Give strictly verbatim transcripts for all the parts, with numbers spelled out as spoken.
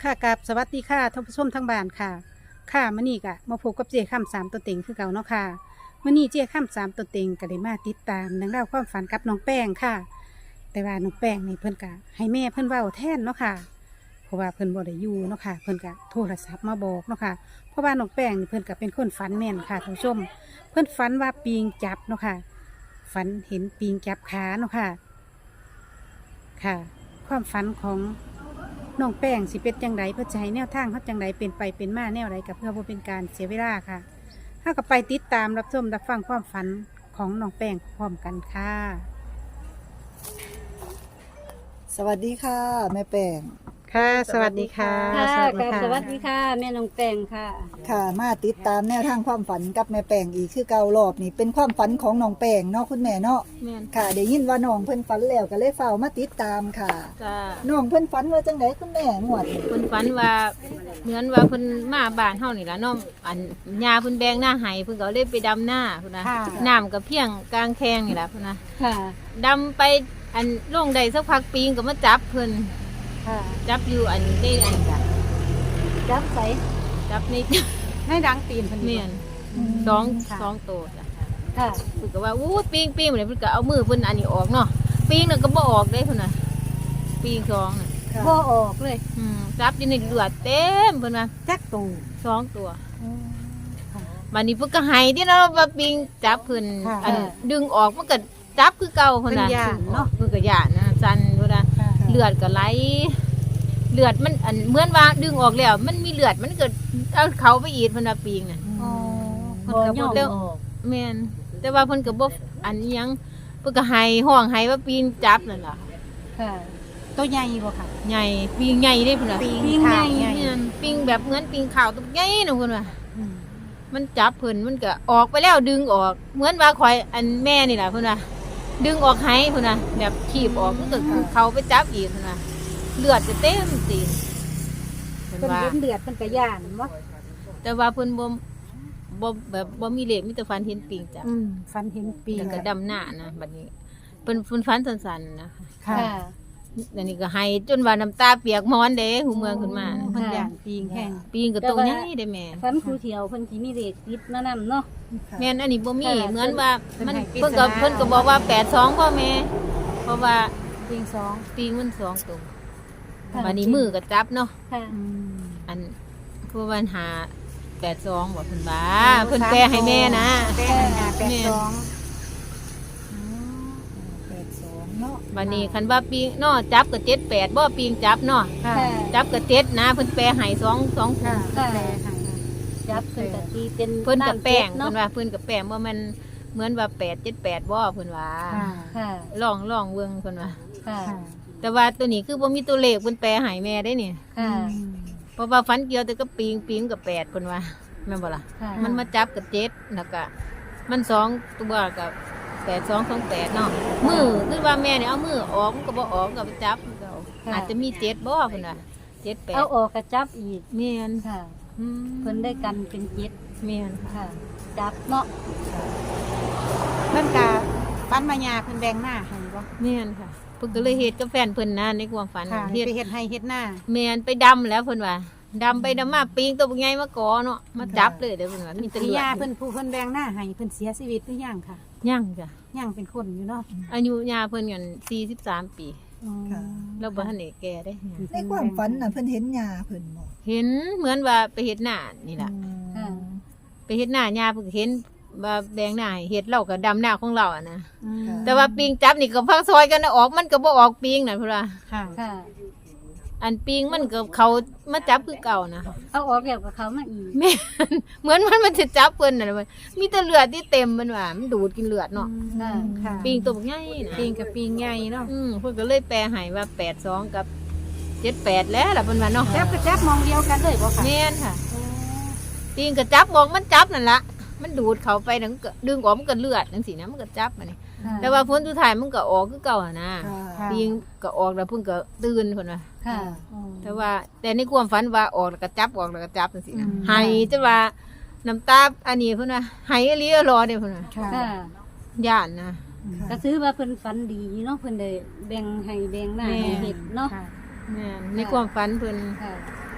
ค่ะกับสวัสดีค่ะท่านผู้ชมทั้งบ้านค่ะค่ะมื้อนี้ก็มาพบกับเจ้าค่ำสามตัวเต็งคือเก่าเนาะค่ะมื้อนี้เจ้าค่ำสามตัวเต็งก็ได้มาติดตามเรื่องราวความฝันกับน้องแป้งค่ะ แต่ว่าน้องแป้งนี่เพิ่นก็ให้แม่เพิ่นเว้าแทนเนาะค่ะเพราะว่าเพิ่นบ่ได้อยู่เนาะค่ะเพิ่นก็โทรศัพท์มาบอกเนาะค่ะเพราะว่าน้องแป้งนี่เพิ่นก็เป็นคนฝันแม่นค่ะท่านผู้ชม เพิ่นฝันว่าปิงจับเนาะค่ะฝันเห็นปิงจับขาเนาะค่ะค่ะ ความฝันของน้องแป้งสิเป็นจังไดเพื่อจะให้แนวทางเขาจังไดเป็นไปเป็นมาแนวไรกับเพื่อบ่เป็นการเสียเวลาค่ะถ้าก็ไปติดตามรับชมรับฟังความฝันของน้องแป้งพร้อมกันค่ะสวัสดีค่ะ แม่แป้งค่ะ สวัสดีค่ะค่ะสวัสดีกับค่ะสวัสดีค่ะ แม่น้องแป้งค่ะค่ะ มาติดตามแนวทางความฝันกับแม่แป้งอีกคือเก่ารอบนี่เป็นความฝันของน้องแป้งเนาะคุณแม่เนาะแม่นค่ะได้ยินว่าน้องเพิ่นฝันแล้วก็เลยเฝ้ามาติดตามค่ะจ้าน้องเพิ่นฝันว่าจังไดคุณแม่งวดนี้เพิ่นฝันว่าเหมือนว่าเพิ่นมาบ้านเฮานี่ล่ะเนาะอันยาเพิ่นแบงหน้าไห้เพิ่นก็เลยไปดำหน้าพุ่นนะค่ะน้ำก็เพียงกลางแคงนี่ล่ะพุ่นนะค่ะดำไปอันลงได้สักพักปีงก็มาจับเพิ่นค่ะจับอยู่อันได้อันจ้ะจับใส่จับในให้ดังตีนเพิ่นเมียนสองสองโตจ้ะค่ะเพิ่นก็ว่าอู้ปีงปีงเนี่ยเพิ่นก็เอามือเพิ่นอันนี้ออกเนาะปีงน่ะก็บ่ออกเด้พุ่นน่ะปีงสองน่ะค่ะบ่ออกเลยอืมจับอยู่ในเลือดเต็มเพิ่นว่าจักตูสองตัว บัดนี้เพิ่นก็ให้ที่เราว่าปิงจับเพิ่นค่ะอันดึงออกมันก็จับคือเก่าเพิ่นน่ะเพิ่นย้านเนาะเพิ่นก็ย่านนะสั่นพุ่นน่ะเลือดก็ไหลเลือดมันอันเหมือนว่าดึงออกแล้ว มันมีเลือดมันก็เอาเขาไปอีกเพิ่นว่าปิงน่ะอ๋อเพิ่บ่นก็ยบ่อมเด้อออกแม่นแต่ว่าเพิ่นก็บ่อันอิหยังเพิ่นก็ให้ห้องให้ว่าปิงจับนั่นล่ะค่ะตัวใหญ่บ่ค่ะใหญ่ปิงใหญ่เด้เพิ่นน่ะปิงปิงขาใหญ่ใหญ่แม่นปิงแบบเหมือนปิงขาวตัวใหญ่น่ะเพิ่นว่าอืมมันจับเพิ่นมันก็ออกไปแล้วดึงออก เหมือนว่าคอยอันแม่นี่แหละเพิ่นว่าดึงออกให้เพิ่นว่าแบบขีบออกมันก็เขาไปจับอีกเพิ่นว่าเลือดจะเต็มตีนเพิ่นเพิ่นว่าเห็นเดือดเพิ่นก็ย่านบ่แต่ว่าเพิ่นบ่บ่แบบบ่มีเลขมีแต่ฟันเห็นปิงจับอืมฝันเห็นปิงแล้วก็ดำหน้านะบัดนี้เพิ่นเพิ่นฟันสั้นๆนะค่ะค่ะอันนี้ก็ให้จนว่าน้ำตาเปียกหมอนเด้หูเมืองขึ้นมานะเพิ่นย่านปิงแห้งปิงก็ตรงใหญ่เด้แม่ฟันครูเถียวเพิ่นสิมีเลขติดมานำเนาะค่ะแม่นอันนี้บ่มีค่ะเหมือนว่ามันเพิ่เพิ่นนให้ก็ปริศนาเพิ่นก็บอกว่าแปดสองพ่อแม่เพราะว่าปิงสองปีงมันสองตัวค่ะวันนี้มือก็จับเนาะค่ะอืมอันคือวันหาแปดสองบอกเพิ่นบ้าเพิ่นแปลให้แม่นะแป้งหาแปดสองแปดสองเนาะวันนี้คันว่าปีงเนาะจับก็เจ็ดแปดบ่ปีงจับเนาะค่ะค่ะจับก็เจ็ดนะเพิ่นแปลให้สองสองค่ะค่ะแปลให้จับเพิ่นก็ตีเป็นเพิ่นกับแป้งเนาะเพิ่นว่าเพิ่นกับแป้งว่ามันเหมือนว่าแปดเจ็ดแปดบ่เพิ่นว่าค่ะค่ะลองลองเบิ่งเพิ่นว่าค่ะค่ะแต่ว่าตัวนี้คือบ่มีตัวเลขเพิ่นแปลให้แม่ได้นี่ค่ะเพราะว่าฟันเกี่ยวแต่ก็ปีงปีงกับแปดเพิ่นว่าแม่นบ่ล่ะค่ะมันมาจับกับเจ็ดแล้วก็มันสองตัวกับแปดสองสองแปดเนาะมือคือว่าแม่เนี่ยเอามือออกมันก็บ่ออกก็ไปจับมันก็เอาค่ะอาจจะมีเจ็ดบ่เพิ่นว่าเจ็ดแปดเอาออกก็จับอีกแม่นค่ะอืมเพิ่นได้กันเป็นเจ็ดแม่นค่ะ จับเนาะนั่นกะฟันมายาเพิ่นแดงหน้าให้บ่แม่นค่ะเพิ่นก็เลยเฮ็ดกับแฟนเพิ่นนะในความฝันค่ะเฮ็ดไปเฮ็ดให้เฮ็ดหน้าแม่นไปดำแล้วเพิ่นว่าดำไปดำมาปีงตัวใหญ่มาก่อเนาะมาจับเลยเด้อเพิ่นว่ามีแตะพี่เลือดยาเพิ่นผู้เพิ่นแดงหน้าให้เพิ่นเสียชีวิตหรือยังค่ะยังจ้ะยังเป็นคนอยู่เนาะอายุยาเพิ่นกันสี่สิบสามปีค่ะแล้วบ่ทันได้แก่เด้ในความฝันน่ะเพิ่นเห็นยาเพิ่นบ่เห็นเหมือนว่าไปเฮ็ดหน้านี่ล่ะค่ะไปเฮ็ดหน้ายาเพิ่นก็เห็นว่าแดงหน้าให้เฮ็ดเราก็ดำหน้าของเราอะนะอืมแต่ว่าปิงจับนี่ก็พักซอยกันนะออกมันก็บ่ออกปิงนั่นพุ่นว่าค่ะค่ะอันปิงมันก็เขามาจับคือเก่านะเอาออกแล้วกับเขามาอีกแม่นเหมือนมันมันสิจับเพิ่นน่ะมันมีแต่เลือดที่เต็มมันว่ามันดูดกินเลือดเนาะค่ะค่ะปิงตัวบักใหญ่นะปิงกับปิงใหญ่เนาะอืมเพิ่นก็เลยแปลให้ว่าแปดสองกับเจ็ดแปดแล้วล่ะเพิ่นว่าเนาะจับก็จับมองเดียวกันเลยบ่ค่ะแม่นค่ะปิงก็จับมองมันจับนั่นล่ะมันดูดเขาไปนั่นก็ดึงออกมันก็เลือดจังซี่นะมันก็จับมานี่ค่ะแต่ว่าพ้นสุดท้ายมันก็ออกคือเก่าหั่นนะค่ะค่ะปิงก็ออกแล้วเพิ่นก็ตื่นเพิ่นว่าค่ะแต่ว่าแต่ในความฝันว่าออกแล้วก็จับออกแล้วก็จับจังซี่นะอืมให้จะว่าน้ำตาอันนี้เพิ่นว่าให้อีหลีรอเด้เพิ่นว่าค่ะค่ะย่านนะก็ถือว่าเพิ่นฝันดีเนาะเพิ่นได้แบ่งให้แบ่งหน้าแม่ให้เฮ็ดเนาะค่ะแม่นในความฝันเพิ่นค่ะ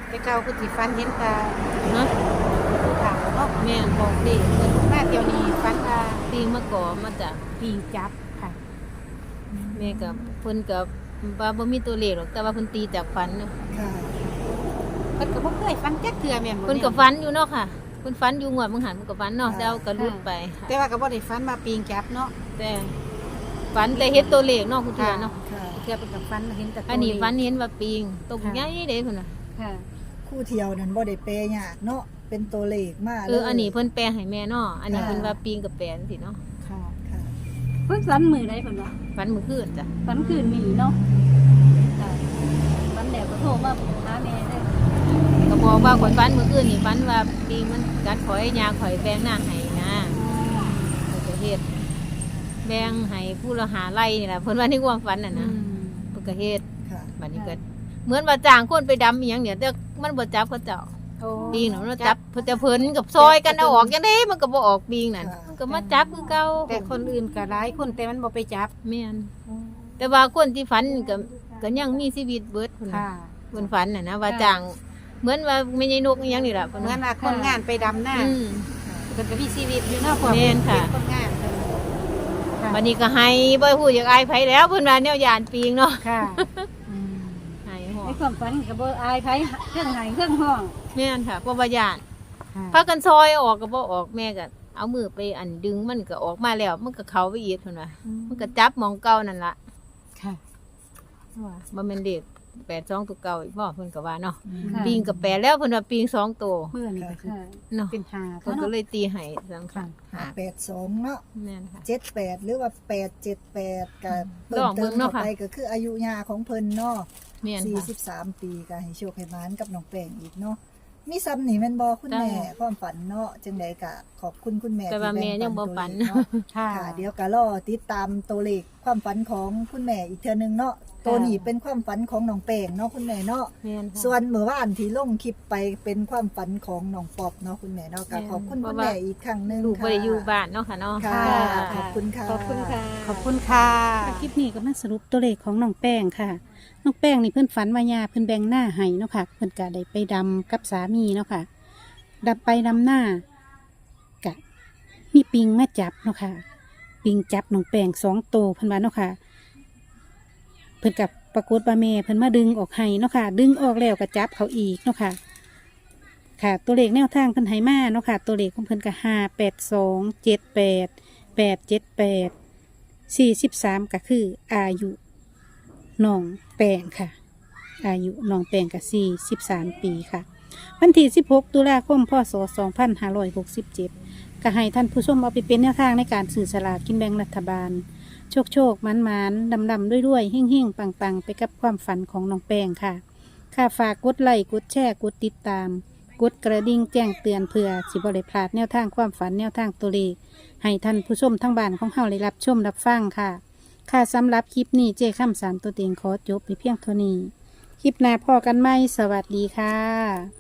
แต่เก่าคือสิฟันเห็นตาเนาะผู้ขาวเนาะแม่นบอกเด็กเพิ่นมาเที่ยวนี้ฟันว่าปีงมาก่อมาจากปีงจับค่ะแม่กับเพิ่นกับว่าบ่มีตัวเลขหรอกแต่ว่าเพิ่นตีจากฝันเนาะค่ะเพิ่นก็บ่เคยฟันจักเทื่อแม่นบ่เพิ่นก็ฝันอยู่เนาะค่ะเพิ่นฝันอยู่งวดมึงหันเพิ่นก็ฝันเนาะแต่เอาก็หลุดไปแต่ว่าก็บ่ได้ฟันมาปีงจับเนาะแต่ฝันแต่เห็นตัวเลขเนาะคุณตาเนาะค่ะเทื่อเพิ่นก็ฟันเห็นแต่ตัวอันนี้เลขฝันเห็นว่าปิงตกค่ะใหญ่เด้พุ่นน่ะค่ะคู่เที่ยวนั้นบ่ได้เปยากเนาะเป็นตัวเลขมาเอออันนี้เพิ่นแปลให้แม่เนาะอันนี้ค่ะเพิ่นว่าปิงกับแปลจังซี่เนาะค่ะค่ะเพิ่นฝันมือใดเพิ่นว่าฝันมื้อคืนจ้ะฝันคืนมีเนาะค่ะฝันแล้วก็โทรมาหาแม่ได้ก็บอกว่าข่อยฝันมื้อคืนนี่ฝันว่าปิงมันกัดข่อยยางข่อยแบ่งหน้าให้นะก็จะเฮ็ดแบ่งให้ผู้ละหาไร่นี่ล่ะเพิ่นว่าในความฝันน่ะนะเพิ่นก็เฮ็ดค่ะบัดนี้ก็เหมือนว่าจ้างคนไปดำอีหยังเนี่ยแต่มันบ่จับเขาเจ้าโอ้ปิงน่ะมันจับเพิ่นจะเพิ่นกับซอยกันเอาออกจังได๋มันก็บ่ออกปิงนั่นมันก็มาจับคือเก่าแต่คนอื่นก็หลายคนแต่มันบ่ไปจับแม่นแต่ว่าคนที่ฝันก็ก็ยังมีชีวิตเบิดพุ่นน่ะค่ะเพิ่นฝันน่ะนะว่าจ้างเหมือนว่าแม่ใหญ่นกอีหยังนี่ล่ะเพิ่นเหมือว่านว่าคนงานไปดำหน้าอืมเพิ่นก็มีชีวิตอยู่เนาะพวกแม่นค่ะเป็นคนงานเพิ่นค่ะบัดนี้ก็ให้บ่พูดอยากอายไผแล้วเพิ่นว่าแนวย่านปิงเนาะค่ะอืมให้ฮอในความฝันก็บ่อายไผเครื่องไหเครื่องห้องแม่นค่ะบ่ว่าย่านค่ะพากันซอยออกก็บ่ออกแม่ก็เอามือไปอันดึงมันก็ออกมาแล้วมันก็เข้าไปอีกเพิ่นว่ามันก็จับหมองเก่านั่นล่ะค่ะว่าบ่แม่นเด็กแปดสองตัวเก่าอีกบ่เพิ่นก็ว่าเนาะค่ะปิงกับแปดแล้วเพิ่นว่าปิงสองตัวเมื่อนี่ก็คือค่ะเนาะเป็นหาเพิ่นก็เลยตีให้สำคัญห้าแปดสองเนาะแม่นค่ะเจ็ดแปดหรือว่าแปดเจ็ดแปดกับลองเบิ่งเนาะค่ะไปก็คืออายุยาของเพิ่นเนาะแม่นสี่ค่ะสิบสามปีก็ให้โชคให้หมานกับน้องแป้งอีกเนาะมีซ้ำนี่แม่นบ่คุณแม่จ้าความฝันเนาะจังใดก็ขอบคุณคุณแม่แต่ว่าที่แม่บ่ยังบ่ตัวฝันเลขเนาะค่ะค่ะเดี๋ยวก็รอติดตามตัวเลขความฝันของคุณแม่อีกเทื่อนึงเนาะตัวนี้เป็นความฝันของน้องแป้งเนาะคุณแม่เนาะแม่นค่ะส่วนเมื่อวานที่ลงคลิปไปเป็นความฝันของน้องปอบเนาะคุณแม่เนาะก็ขอบคุณคุณแม่อีกครั้งหนึงลูกค่ะบ่ได้อยู่บ้านเนาะค่ะเนาะค่ะค่ะขอบคุณค่ะขอบคุณค่ะขอบคุณค่ะคลิปนี้ก็มาสรุปตัวเลขของน้องแป้งค่ะ น้องแป้งนี่เพื่อนฝันว่ายาเพื่อนแบ่งหน้าให้เนาะค่ะ เพื่อนก็ได้ไปดำกับสามีเนาะค่ะดับไปดำหน้ากะมีปิงมาจับเนาะค่ะ ปิงจับน้องแป้งสองตัวเพื่อนว่าเนาะค่ะ เพื่อนกับปรากฏว่าแม่เพื่อนมาดึงออกให้เนาะค่ะ ดึงออกแล้วก็จับเขาอีกเนาะค่ะ ค่ะ ตัวเลขแนวทางเพิ่นให้มาเนาะค่ะ ตัวเลขของเพิ่นก็ห้าแปดสองเจ็ดแปดแปดเจ็ดแปดสี่สิบสามก็คืออายุน้องแปงค่ะ อายุน้องแปงก็สี่สิบสามปีค่ะ วันที่สิบหกตุลาคมพศสองพันห้าร้อยหกสิบเจ็ดก็ให้ท่านผู้ชมเอาไปเป็นแนวทางในการสื่อสลากกินแบ่งรัฐบาล โชคโชคมันมันดำดำด้วยด้วยๆเฮ่งเฮ่งปังปังๆ ไปกับความฝันของน้องแปงค่ะ ค่ะฝากกดไลค์กดแชร์กดติดตาม กดกระดิ่งแจ้งเตือนเพื่อสิบริพลาดแนวทางความฝันแนวทางตัวเลขให้ท่านผู้ชมทั้งบ้านของเฮาได้รับชมรับฟังค่ะ ค่ะสำหรับคลิปนี้เจ้ข้ามสามตัวเต็งขอจบไปเพียงเท่านี้ คลิปหน้าพอกันไหมสวัสดีค่ะ